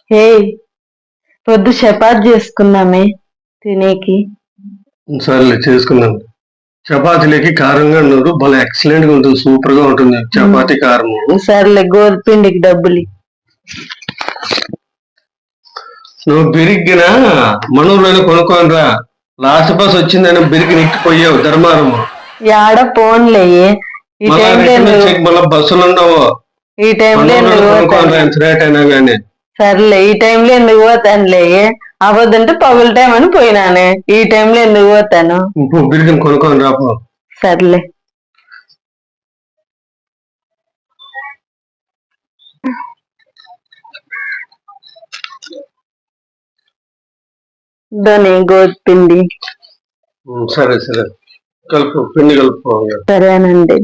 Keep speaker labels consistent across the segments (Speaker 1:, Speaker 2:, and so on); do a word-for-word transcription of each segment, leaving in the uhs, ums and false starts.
Speaker 1: హే, పొద్దు చపాతి చేసుకుందామే తినేకి.
Speaker 2: సర్లే చేసుకుందాం. చపాతీలకి కారంగా ఉన్నారు, భలే ఎక్సలెంట్ గా ఉంటుంది, సూపర్ గా ఉంటుంది చపాతీ కారము.
Speaker 1: సర్లే గోధుపిండికి డబ్బులు.
Speaker 2: నువ్వు బిరిగ్గిన మనూరులోనే కొనుక్కొని రా. లాస్ట్ బస్ వచ్చిందని బిరిగి నిక్కిపోయావు ధర్మారము.
Speaker 1: యాడ పోన్లే, ఈ
Speaker 2: మళ్ళా బస్సులు ఉండవు.
Speaker 1: ఈ టైంలో
Speaker 2: కొనుక్కొని రా, ఎంత రేట్ అయినా గానీ.
Speaker 1: సర్లే, ఈ టైంలో ఎందుకు పోతానులే, అవ్వదంటే పగుల టైం అని పోయినానే, ఈ టైంలో ఎందుకు పోతాను.
Speaker 2: బిరిగిని కొనుక్కొని రాపో.
Speaker 1: సర్లే. ధని గోధుపిండి.
Speaker 2: సరే సరే, కలుపు, పిండి కలుపు.
Speaker 1: సరేనండి.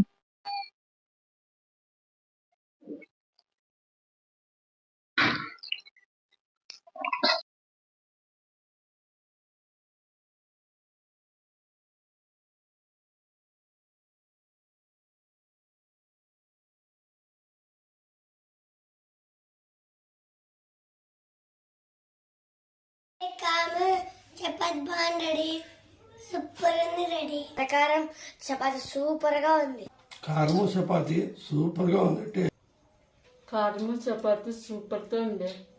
Speaker 3: చపాతి బాగుంది రెడీ, సూపర్ ఉంది రెడీ. ప్రకారం చపాతి సూపర్ గా ఉంది.
Speaker 4: కారము చపాతి సూపర్ గా ఉంది.
Speaker 5: కారము చపాతి సూపర్ గా ఉంది.